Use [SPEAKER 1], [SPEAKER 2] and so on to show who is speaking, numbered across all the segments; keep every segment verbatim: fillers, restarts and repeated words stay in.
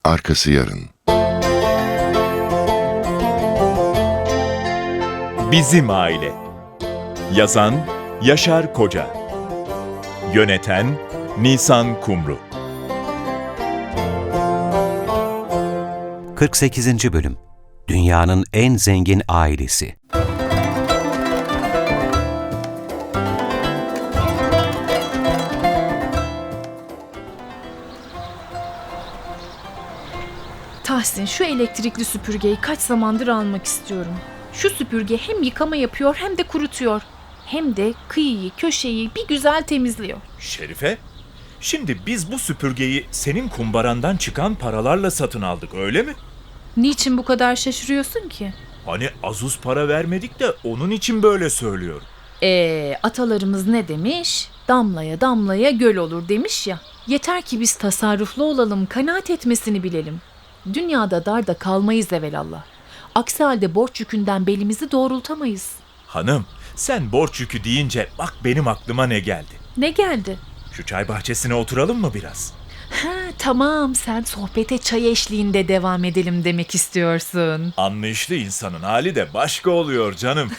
[SPEAKER 1] arkası yarın.
[SPEAKER 2] Bizim Aile. Yazan Yaşar Koca. Yöneten Nisan Kumru.
[SPEAKER 3] kırk sekizinci. Bölüm. Dünyanın en zengin ailesi.
[SPEAKER 4] Tahsin, şu elektrikli süpürgeyi kaç zamandır almak istiyorum. Şu süpürge hem yıkama yapıyor hem de kurutuyor. Hem de kıyıyı, köşeyi bir güzel temizliyor.
[SPEAKER 2] Şerife, şimdi biz bu süpürgeyi senin kumbarandan çıkan paralarla satın aldık, öyle mi?
[SPEAKER 4] Niçin bu kadar şaşırıyorsun ki?
[SPEAKER 2] Hani azuz para vermedik de onun için böyle söylüyorum.
[SPEAKER 4] Ee, atalarımız ne demiş? Damlaya damlaya göl olur demiş ya. Yeter ki biz tasarruflu olalım, kanaat etmesini bilelim. Dünyada darda kalmayız evelallah. Aksi halde borç yükünden belimizi doğrultamayız.
[SPEAKER 2] Hanım, sen borç yükü deyince bak benim aklıma ne geldi.
[SPEAKER 4] Ne geldi?
[SPEAKER 2] Şu çay bahçesine oturalım mı biraz?
[SPEAKER 4] Ha, tamam, sen sohbete çay eşliğinde devam edelim demek istiyorsun.
[SPEAKER 2] Anlayışlı insanın hali de başka oluyor canım.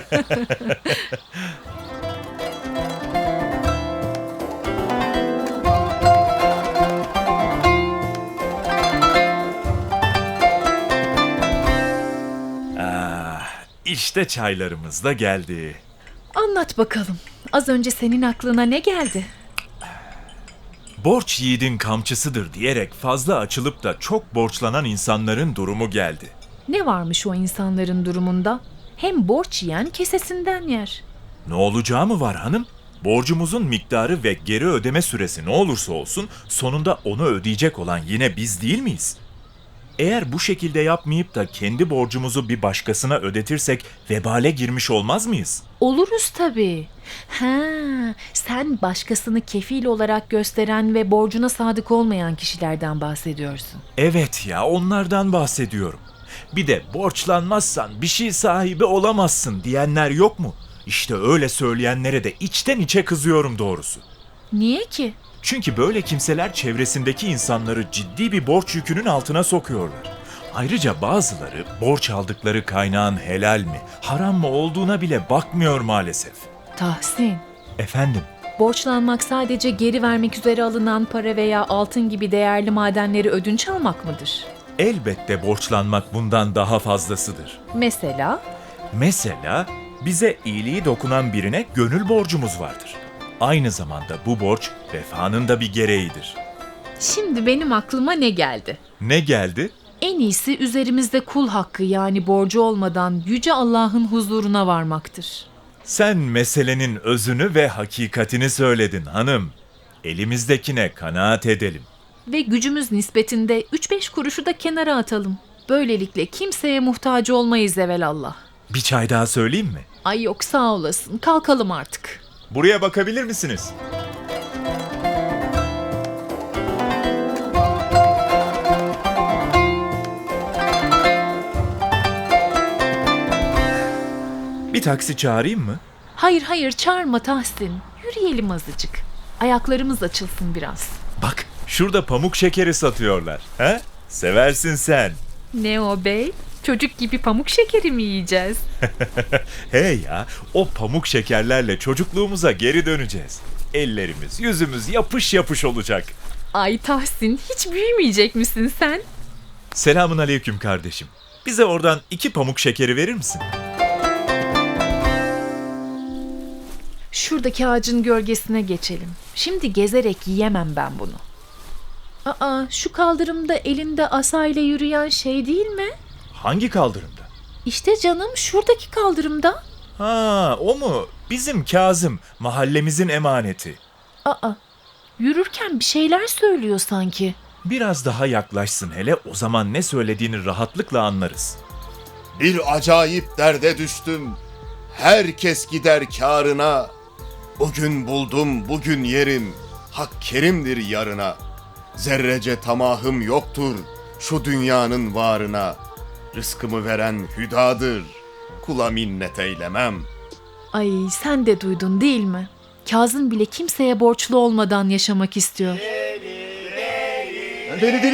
[SPEAKER 2] İşte çaylarımız da geldi.
[SPEAKER 4] Anlat bakalım. Az önce senin aklına ne geldi?
[SPEAKER 2] Borç yiğidin kamçısıdır diyerek fazla açılıp da çok borçlanan insanların durumu geldi.
[SPEAKER 4] Ne varmış o insanların durumunda? Hem borç yiyen kesesinden yer.
[SPEAKER 2] Ne olacağı mı var hanım? Borcumuzun miktarı ve geri ödeme süresi ne olursa olsun sonunda onu ödeyecek olan yine biz değil miyiz? Eğer bu şekilde yapmayıp da kendi borcumuzu bir başkasına ödetirsek vebale girmiş olmaz mıyız?
[SPEAKER 4] Oluruz tabii. Ha, sen başkasını kefil olarak gösteren ve borcuna sadık olmayan kişilerden bahsediyorsun.
[SPEAKER 2] Evet ya, onlardan bahsediyorum. Bir de borçlanmazsan bir şey sahibi olamazsın diyenler yok mu? İşte öyle söyleyenlere de içten içe kızıyorum doğrusu.
[SPEAKER 4] Niye ki?
[SPEAKER 2] Çünkü böyle kimseler çevresindeki insanları ciddi bir borç yükünün altına sokuyorlar. Ayrıca bazıları borç aldıkları kaynağın helal mi, haram mı olduğuna bile bakmıyor maalesef.
[SPEAKER 4] Tahsin,
[SPEAKER 2] Efendim?
[SPEAKER 4] borçlanmak sadece geri vermek üzere alınan para veya altın gibi değerli madenleri ödünç almak mıdır?
[SPEAKER 2] Elbette borçlanmak bundan daha fazlasıdır.
[SPEAKER 4] Mesela?
[SPEAKER 2] Mesela bize iyiliği dokunan birine gönül borcumuz vardır. Aynı zamanda bu borç vefanın da bir gereğidir.
[SPEAKER 4] Şimdi benim aklıma ne geldi?
[SPEAKER 2] Ne geldi?
[SPEAKER 4] En iyisi üzerimizde kul hakkı yani borcu olmadan Yüce Allah'ın huzuruna varmaktır.
[SPEAKER 2] Sen meselenin özünü ve hakikatini söyledin hanım. Elimizdekine kanaat edelim.
[SPEAKER 4] Ve gücümüz nispetinde üç beş kuruşu da kenara atalım. Böylelikle kimseye muhtaç olmayız evelallah.
[SPEAKER 2] Bir çay daha söyleyeyim mi?
[SPEAKER 4] Ay yok, sağ olasın, kalkalım artık.
[SPEAKER 2] Buraya bakabilir misiniz? Bir taksi çağırayım mı?
[SPEAKER 4] Hayır hayır, çağırma Tahsin. Yürüyelim azıcık. Ayaklarımız açılsın biraz.
[SPEAKER 2] Bak, şurada pamuk şekeri satıyorlar. He? Seversin sen.
[SPEAKER 4] Ne o bey? Çocuk gibi pamuk şekeri mi yiyeceğiz?
[SPEAKER 2] Hey ya, o pamuk şekerlerle çocukluğumuza geri döneceğiz. Ellerimiz, yüzümüz yapış yapış olacak.
[SPEAKER 4] Ay Tahsin, hiç büyümeyecek misin sen?
[SPEAKER 2] Selamun aleyküm kardeşim. Bize oradan iki pamuk şekeri verir misin?
[SPEAKER 4] Şuradaki ağacın gölgesine geçelim. Şimdi gezerek yiyemem ben bunu. Aa, şu kaldırımda elinde asayla yürüyen şey değil mi?
[SPEAKER 2] Hangi kaldırımda?
[SPEAKER 4] İşte canım, şuradaki kaldırımda.
[SPEAKER 2] Ha, o mu? Bizim Kazım, mahallemizin emaneti.
[SPEAKER 4] Aa, yürürken bir şeyler söylüyor sanki.
[SPEAKER 2] Biraz daha yaklaşsın hele, o zaman ne söylediğini rahatlıkla anlarız.
[SPEAKER 5] Bir acayip derde düştüm. Herkes gider kârına. Bugün buldum, bugün yerim. Hak kerimdir yarına. Zerrece tamahım yoktur şu dünyanın varına. Rızkımı veren hüdadır. Kula minnet eylemem.
[SPEAKER 4] Ay, sen de duydun değil mi? Kazım bile kimseye borçlu olmadan yaşamak istiyor.
[SPEAKER 5] Deli deli.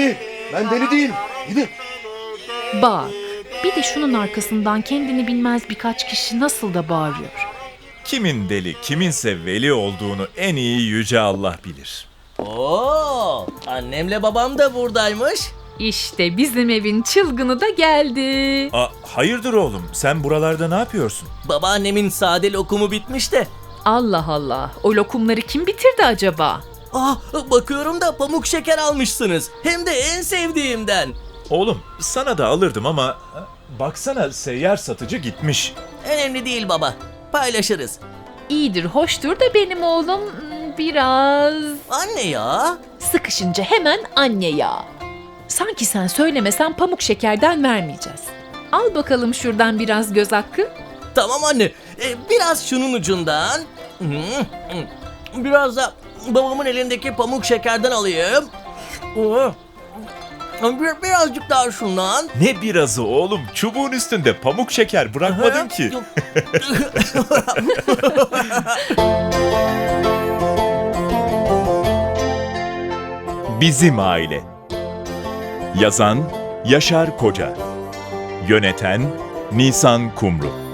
[SPEAKER 5] Ben deli değilim. Gidin.
[SPEAKER 4] Bak, bir de şunun arkasından kendini bilmez birkaç kişi nasıl da bağırıyor.
[SPEAKER 2] Kimin deli, kiminse veli olduğunu en iyi Yüce Allah bilir.
[SPEAKER 1] Oo, annemle babam da buradaymış.
[SPEAKER 4] İşte bizim evin çılgını da geldi.
[SPEAKER 2] Aa, hayırdır oğlum, sen buralarda ne yapıyorsun?
[SPEAKER 1] Babaannemin sade lokumu bitmiş de.
[SPEAKER 4] Allah Allah, o lokumları kim bitirdi acaba?
[SPEAKER 1] Ah, bakıyorum da pamuk şeker almışsınız. Hem de en sevdiğimden.
[SPEAKER 2] Oğlum, sana da alırdım ama ha, baksana seyyar satıcı gitmiş.
[SPEAKER 1] Önemli değil baba. Paylaşırız.
[SPEAKER 4] İyidir, hoştur da benim oğlum hmm, biraz...
[SPEAKER 1] Anne ya.
[SPEAKER 4] Sıkışınca hemen anne ya. Sanki sen söylemesen pamuk şekerden vermeyeceğiz. Al bakalım şuradan biraz göz hakkı.
[SPEAKER 1] Tamam anne. Ee, biraz şunun ucundan. Hı, hı. Biraz da babamın elindeki pamuk şekerden alayım. Oo. Bir- Birazcık daha şundan.
[SPEAKER 2] Ne birazı oğlum, çubuğun üstünde pamuk şeker bırakmadın ki. Bizim Aile. Yazan Yaşar Koca. Yöneten Nisan Kumru.